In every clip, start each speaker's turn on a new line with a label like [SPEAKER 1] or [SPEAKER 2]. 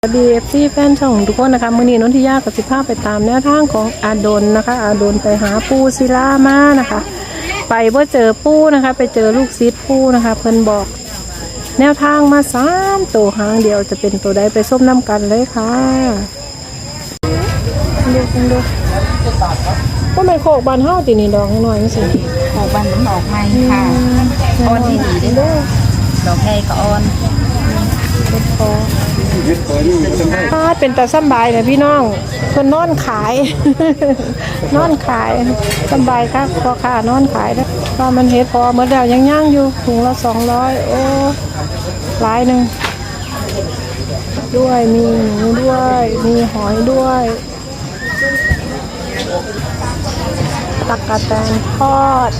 [SPEAKER 1] BFC แฟนช่องทุกคนนะคะมื้อนี้นนทิยากับสิภาพไปตามแนวทางของอาดลนะคะอาดลไปหาปูศิลามานะคะไปว่าเจอปูนะคะไปเจอลูกศิษย์ปูนะคะเพิ่นบอกแนวทางมา3ตัวหางเดียวจะเป็นตัวใดไปส้มน้ำกันเลยค่ะดูก็ไม่โคกบานเฮาตีนี่ดอกหน่อยไม่ใช่
[SPEAKER 2] โขกบันมันออกใหม่ค่ะออนที่ดีได้ด้วยดอกใหญ่ก็ออน
[SPEAKER 1] เป็นตาสบายเลยพี่น้องคนนอนขาย นอนขายสบายครับพอค่ะนอนขายแล้วก็มันเฮ็ดพอเมื่อเดียวยังย่างอยู่ถุงละ200โอ้หลายหนึ่งด้วยมีหมูด้วยมีหอยด้วยตักกะแตนทอด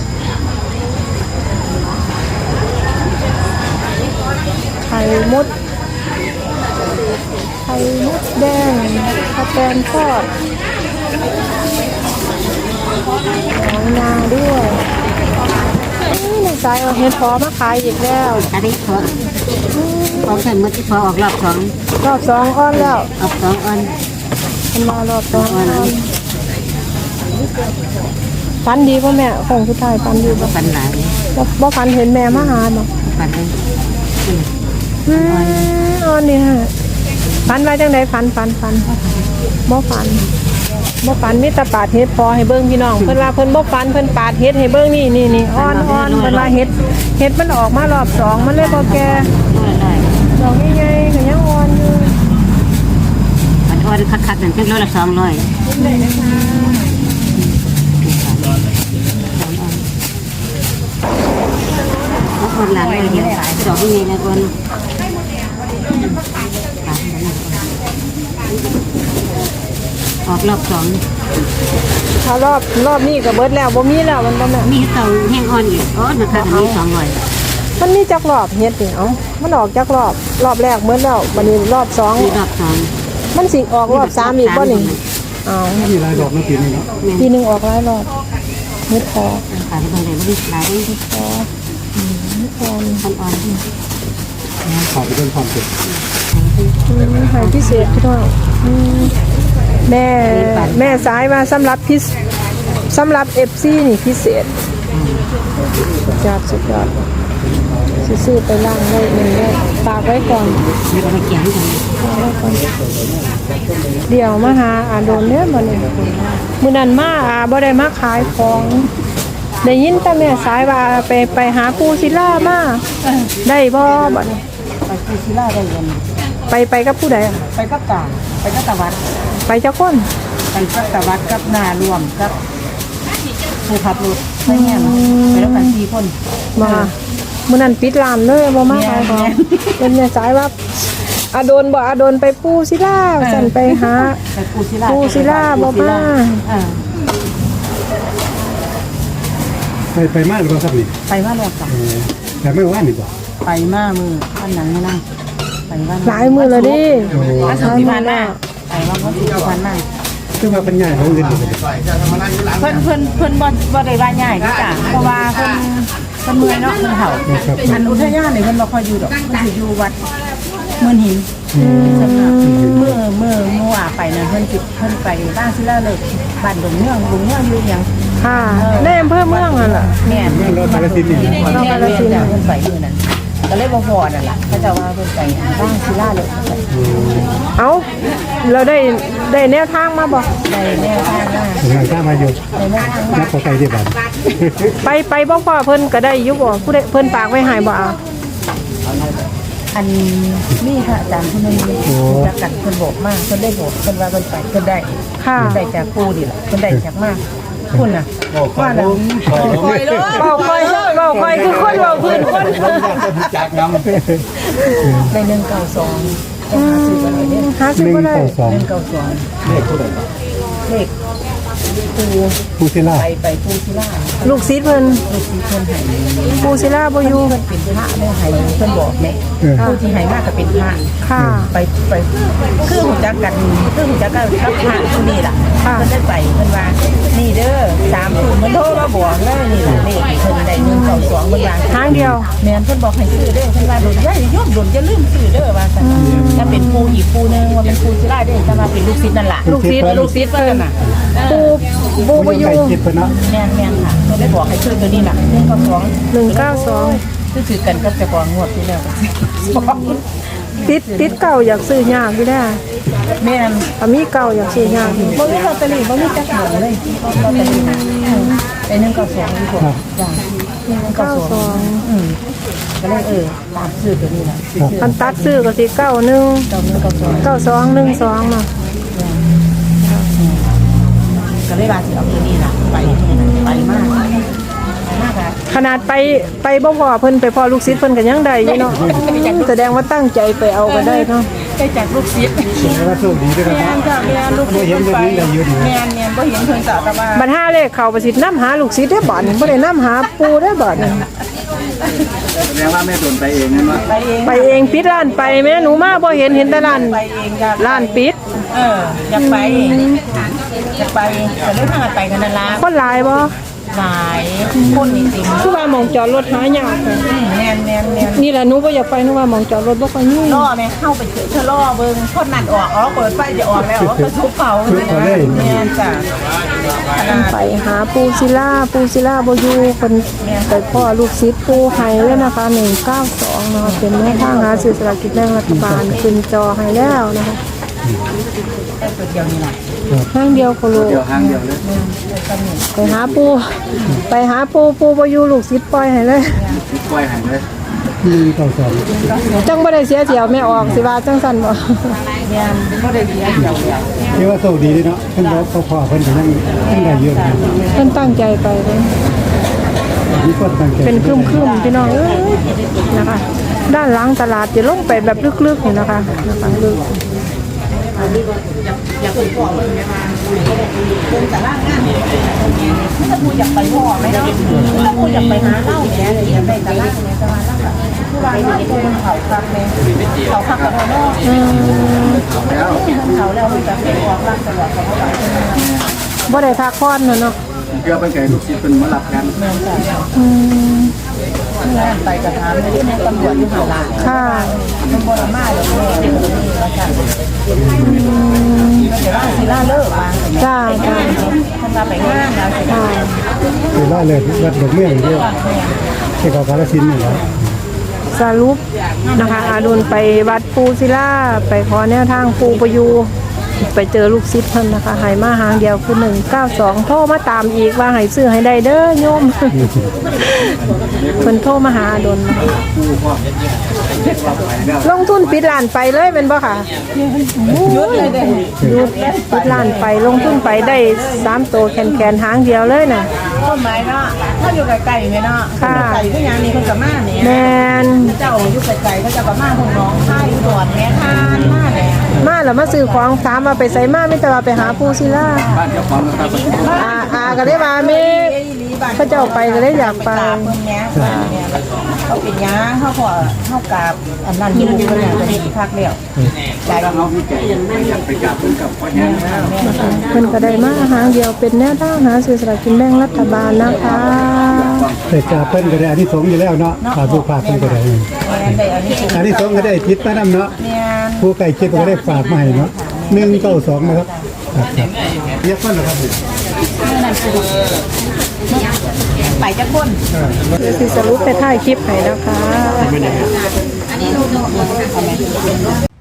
[SPEAKER 1] ไข่มดแดงกระแตนทอดหอยนาด้วยในใจเอาเห็ดพอมาขายอีกแล้ว
[SPEAKER 2] อันนี้ของใส่มือที่พอออกรอบสอง
[SPEAKER 1] อ้อนแล้ว
[SPEAKER 2] ออก2 ออน
[SPEAKER 1] มันมารอบ2อ้อนฟันดีป่ะแม่ของสุดท้ายฟันดีป่ะ
[SPEAKER 2] ฟันหลาย
[SPEAKER 1] บ่ฟันเห็นแม่มาหาเนาะ
[SPEAKER 2] ฟันเลย
[SPEAKER 1] อ้อนนี่ฮะฟันไว้จังไดฟันบ่ฟันมีแต่ปาดเฮ็ดพอให้เบิ่งพี่น้องเพิ่นว่าเพิ่นบ่ฟันเพิ่นปาดเฮ็ดให้เบิ่งนี่อ้อนเพิ่นว่าเฮ็ดมันออกมารอบ2มันเลยบ่แก่ดอกใหญ่ๆก็ยังอ่อนอยู่
[SPEAKER 2] มันอ่อนคักๆนั่นเป็น100 ละ 200คนหลังเลยเห็นสายดอกนี่นะคนออกรอบสอง
[SPEAKER 1] ถ้ารอบนี้ก็เบิดแล้วบ่มีแล้วมันบ่แม่
[SPEAKER 2] มีเต่าแห้งอ่อนอยู่อ๋อนะคะอันนี้200
[SPEAKER 1] มันมีจักรอบเฮ็ดนี่เอ้ามันออกจักรอบแรกเบิดแล้วบัดนี้รอบ
[SPEAKER 2] มีรอบสอง
[SPEAKER 1] มันสิออกรอบ3อีกบ่นี่อ้าว
[SPEAKER 3] มีหลายดอกนะปีนี้เนาะ
[SPEAKER 1] ปีนึงออกหลายรอบเฮ็ดพอ
[SPEAKER 2] ขายไปเลยไม่ได้หลายได้ที่
[SPEAKER 1] พออ่อน
[SPEAKER 2] อ่อน
[SPEAKER 3] ขอไปเป็นความสุข
[SPEAKER 1] หายพิเศษพี่น้องแม่สายมาสำหรับ FC นี่พิเศษสุดยอดซื้อไปล่างไว้1ได้ฝากไว้ก่อน
[SPEAKER 2] ไม่ต้องไปเกี่ยงกัน
[SPEAKER 1] เดี๋ยวมาหาอาโดนเนี่ยมื้อนั้นมาบ่ได้มาขายของได้ยินแต่แม่สายว่าไปหาปูศิลามาได้บ่บัดนี้
[SPEAKER 2] ไปที่ศิลาได้เงิน
[SPEAKER 1] ไปกับผู้ใด
[SPEAKER 2] ไปกับตาไปกับตะวัด
[SPEAKER 1] ไปจักคน
[SPEAKER 2] ไปกับตะวัดกับนารวมกับผู้ขับรถไม่เงี้ยไปแล้วกัน4 คน
[SPEAKER 1] มามื้อนั้นปิดร้านเลยบ่มาขายของเป็นแม่สายว่าอาโดนไปปูศิลาสั่นไปหา
[SPEAKER 2] ไปปูศิลา
[SPEAKER 1] บ่มา
[SPEAKER 3] ไปมากหรือเปล่าครับนี่
[SPEAKER 2] ไปว่าแล้วกัน
[SPEAKER 3] แต่ไม่ว่านี่บ่
[SPEAKER 2] ไปมามือวันหนังไม่นั่งไปว่า
[SPEAKER 1] หลายมื้อแล้วดิ
[SPEAKER 2] วันศุกร์ที่ผ่านมาไปว่าวันศุกร์ที่ผ่านมา
[SPEAKER 3] คือว่าเป็นใหญ่ของเงินอยู่เลย
[SPEAKER 2] เพิ่นบ่ได้ว่าง่ายนี่จ้ะเพราะว่าเพิ่นเมื่อยเนาะเพิ่นเฒ่าอันอุทยานนี่เพิ่นบ่ค่อยอยู่ดอกเพิ่นสิอยู่วัดเมืองหินเมื่อไปนั่นเพิ่นไปบ้านศิลาเลิกบ้านดงเมืองอยู่หยัง
[SPEAKER 1] ค่ะในอำเภอเมืองนั่นล่ะ
[SPEAKER 2] แม่น
[SPEAKER 3] รถกาลสินธุ์นี่
[SPEAKER 2] เพิ่นไปอยู่นั่นก็เลยบ่พอนั่นล่ะเขาจะว่าเพิ่นไปบ้านศิลาเลิก
[SPEAKER 1] เอาเราได้แนวทางมาบ่
[SPEAKER 2] ได้แม่ทางมา
[SPEAKER 3] งานข้ามาอยู่
[SPEAKER 2] ได้แม่ทางมา
[SPEAKER 3] นักขอไก่ที่บ้าน
[SPEAKER 1] ไปบ่พอเพิ่นก็ได้อยู่บ่ผู้ใดเพิ่นฝากไว้ให้บ่เอา
[SPEAKER 2] อันนี่ค่ะอาจารย์ผู้นึงจักกันเพิ่นบอกมาเพิ่นได้บอกเพิ่นว่าเพิ่นไปเพิ่นได้
[SPEAKER 1] ค่ะ
[SPEAKER 2] ได้จากปูดิล่ะเพิ่นได้จากมากคุณน่ะว่าน่ะ
[SPEAKER 1] เว้าค่อยคือคนเว้าพื้นคน
[SPEAKER 3] จากน้ำ
[SPEAKER 2] ได้192ต้องหาซื้อกันเลยเนี่ย
[SPEAKER 1] หาซื้อบ่ได้
[SPEAKER 3] 192
[SPEAKER 2] 192เลข
[SPEAKER 3] ผู้ศิลา
[SPEAKER 2] ไปปูศิลา
[SPEAKER 1] ลูกศิษย์เพิ่น
[SPEAKER 2] ลูกศิษย์เพิ่นให้
[SPEAKER 1] ปูศิลาบ่อยู่
[SPEAKER 2] เพิ่นเป็นพระแม่ให้เพิ่นบอกแม่ผู้ที่ให้มากก็เป็นพระ
[SPEAKER 1] ค่ะ
[SPEAKER 2] ไปคือหูจักกันกับพระผู้นี่ล่ะ
[SPEAKER 1] ค่ะ
[SPEAKER 2] เพิ่นได้ไปเพิ่นว่านี่เด้อ3ทุ่มมันโทรมาบอกเลยนี่ล่ะเลขเพิ่นได้122เพิ่นว่า
[SPEAKER 1] ทางเดียว
[SPEAKER 2] แม่นเพิ่นบอกให้ซื้อเด้อเพิ่นว่าโดนย่าโยมโดนอย่าลืมซื้อเด้อว่าซั่นถ้าเป็นปูอีกปูนึงว่าเป็นปูสิได้เด้อแต่ว่าเป็นลูกศิษย์นั่นล่ะ
[SPEAKER 1] ลูกศิษย์
[SPEAKER 2] เพิ่นน่ะ
[SPEAKER 1] ปูบ่อยู่
[SPEAKER 3] ใกล้ชิดเพิ่นเนาะ
[SPEAKER 2] แม่นค่ะเพิ่นได้บอกให้ซื้อตัวนี้ล่ะ
[SPEAKER 1] 192
[SPEAKER 2] คือถือกันกับเจ้าของงวดที่แล้ว
[SPEAKER 1] ติดเก่าอยากซื้อยากอยู่ได้
[SPEAKER 2] แม่น
[SPEAKER 1] ถ้ามีเก่าอยากซื้อยากอยู่
[SPEAKER 2] บ่มีลอตเตอรี่บ่มีจักหมองเลยลอตเตอรี่ไอ้192ดีกว่าจ้ะ192ก็เลยตามซื้อตัวนี้ล่ะ
[SPEAKER 1] คันตัดซื้อก็สิ91 9212เนาะ
[SPEAKER 2] ก็เลยว่าสิเอาตัวนี้ล่ะไปมากอ่ะ
[SPEAKER 1] ขนาดไปบ่พอเพิ่นไปพอลูกศิษย์เพิ่นก็ยังได้อยู่เนาะแสดงว่าตั้งใจไปเอาก็ได้เนาะ
[SPEAKER 2] ได้จากลูกศิษย์
[SPEAKER 3] แต่ว่าโชคดีด้วยนะ
[SPEAKER 2] แม่
[SPEAKER 3] ครับ
[SPEAKER 2] นจ้ะแม่นลูกศิษย์
[SPEAKER 3] บ่เห็นแบบนี้ได้อยู่ดี
[SPEAKER 2] แม่นบ่เห็นเพิ่นจ้ะแต่ว่า
[SPEAKER 1] บัดห้าเลขเข้าประสิทธิ์นำหาลูกศิษย์ได้บ่นี่บ่ได้นำหาปูได้บ่นี่
[SPEAKER 3] แสดงว่าแม่โดนไปเองนั่นว่า
[SPEAKER 2] ไปเอง
[SPEAKER 1] ไปเองปิดร้านไปแม่หนูมาบ่เห็นแต่ร้าน
[SPEAKER 2] ไปเองจ้ะ
[SPEAKER 1] ร้านปิด
[SPEAKER 2] อยากไปแต่ได้ทางไปกันนั่นละ
[SPEAKER 1] คนหลายบ่
[SPEAKER 2] หลายคนจริง
[SPEAKER 1] คือว่าหมองจอดรถหายากค่ะ
[SPEAKER 2] ๆแม่น
[SPEAKER 1] นี่แหละหนูบ่อยากไปหนูว่าหมองจอดรถบ่ค่อยมี
[SPEAKER 2] ล่อแม่เข้าไปเถอะล่อเบิ่งคนนั่นออกเปิดไฟจะออกแล้วก็ทุบเขาแม่นจ้ะ
[SPEAKER 1] ไปหาปูศิลาบ่อยู่เพิ่นไปพ่อลูกศิษย์ปูให้เลยนะคะ192เนาะเป็นแม่ทางหาซื้อสลากกินแบ่งรัฐบาลขึ้นจอให้แล้วนะคะ
[SPEAKER 2] ตัวเดียวนี่แหละ
[SPEAKER 1] ทางเดียวโคโล
[SPEAKER 3] เดี๋ยวทางเดียวเลย
[SPEAKER 1] ไปหาปูบ่อยู่ลูกศิษย์ปล่อยให้เลย
[SPEAKER 3] ปล่อยหายเลย192
[SPEAKER 1] จังบ่ได้เสียเที่ยวแม่ออกสิว่าจังซั่นบ่
[SPEAKER 2] แม่นบ่ได้เสียเดียว
[SPEAKER 3] ที่ว่าโชคดีด้วยเนาะเพิ่นบอกพ่อเพิ่นก็ยังได้อยู่นะ
[SPEAKER 1] เพิ่นตั้งใจไปเลย
[SPEAKER 3] มีคนตั้งใจ
[SPEAKER 1] เป็นครึ้มๆพี่น้องเอ้ยนะคะ ด้านหลังตลาดจะลงไปแบบลึกๆนี่นะคะลึก
[SPEAKER 2] อยากไปพ่อเบิ่งแม่ว่าเพิ่นจะลางงานถ้าผู้อยากไปพ่อไหมเนาะถ้าผู้อยากไปหาเล่าแม่อยากได้ตลาดแม่ตลาดแล้วก็คือว่าเนาะผู้เขาคักแม่เขาคักกับเนาะ
[SPEAKER 3] แล้ว
[SPEAKER 2] เขาแล้วมันจะเป็นออกรักตลอดเขาก็ไป
[SPEAKER 1] บ่ได้พักผ่อนเนาะ
[SPEAKER 3] เกือบเป็นไก่ลูกศิษย์เป็นมารับกัน
[SPEAKER 2] เมืองจ้ะ
[SPEAKER 1] อืม
[SPEAKER 2] งานไปกระทำไม่ได้ในตำรวจอยู่หาลา
[SPEAKER 1] ค่ะ
[SPEAKER 2] มันบ่ได้มาเลยแม่ว่าจังแต่ว่าสิลาเลิกว่า
[SPEAKER 1] จ้า
[SPEAKER 2] มันมาไปงานแล้วสิ
[SPEAKER 1] ค่ะ
[SPEAKER 3] คือว่าเลยวัดดอกเมี่ยงเดียวที่เขากาฬสินธุ์นี่แหละ
[SPEAKER 1] สรุปนะคะอาดุลไปวัดปูศิลาไปขอแนวทางปูประยูไปเจอลูกศิษย์เพิ่นนะคะให้มาหางเดียวคือ192โทรมาตามอีกว่าให้ซื้อให้ได้เด้อโยม เพิ่นโทรมาหาอาดุลนะคะลงทุนปิดร้านไปเลยเป็นบ่ค่ะ
[SPEAKER 2] หยุดเลยเด้
[SPEAKER 1] หยุดปิดร้านไปลงทุนไปได้3ตัวแขนหางเดียวเลยน่ะ
[SPEAKER 2] ต้นไม้เนาะถ้าอยู่ไกลๆแม่เนาะไกลคือหยังนี่เพิ่นก็มาเนี่ย
[SPEAKER 1] แม่น
[SPEAKER 2] เจ้าอยู่ไกลๆก็จะก็มาพุ่นน้องค่ายอุดรแม่ทานมาแหละ
[SPEAKER 1] มาแล้วมาซื้อของถามว่าไปไสมาไม่แต่ว่าไปหาปูศิลา
[SPEAKER 3] บ้านเจ้าของนะครับ
[SPEAKER 1] อาก็ได้มาแม่เขาเจ้าไปก็เลยอยากไป
[SPEAKER 2] เพิ่นแหน่เขาเป็นหยังเฮาขอเฮากราบอันนั้นอยู่เพิ่นน่ะจะดีคักแล้วใจ
[SPEAKER 3] ถ้าเขามีใจอยากไปกราบเพิ่นกับพ่อแห้งนะ
[SPEAKER 1] เพิ่นก็ได้มาหางเดียวเป็นแนวทางหาซื้อสลากกินแบ่งรัฐบาลนะคะ
[SPEAKER 3] แต่กราบเพิ่นก็ได้อานิสงส์อยู่แล้วเนาะฝากผู้ฝากเพิ่นก็ได้
[SPEAKER 2] แม่นได้อันนี้ถูก
[SPEAKER 3] อานิสงส์ก็ได้จิตมานำเนาะ
[SPEAKER 2] แม่น
[SPEAKER 3] ผู้ใกล้ชิดก็ได้ฝากมาให้เนาะ192นะครับเรียกเพิ่นเหรอครับ
[SPEAKER 2] นั่นคือไปจักคน
[SPEAKER 1] เดี๋ยวสิสรุปไปถ่ายคลิปให้นะคะ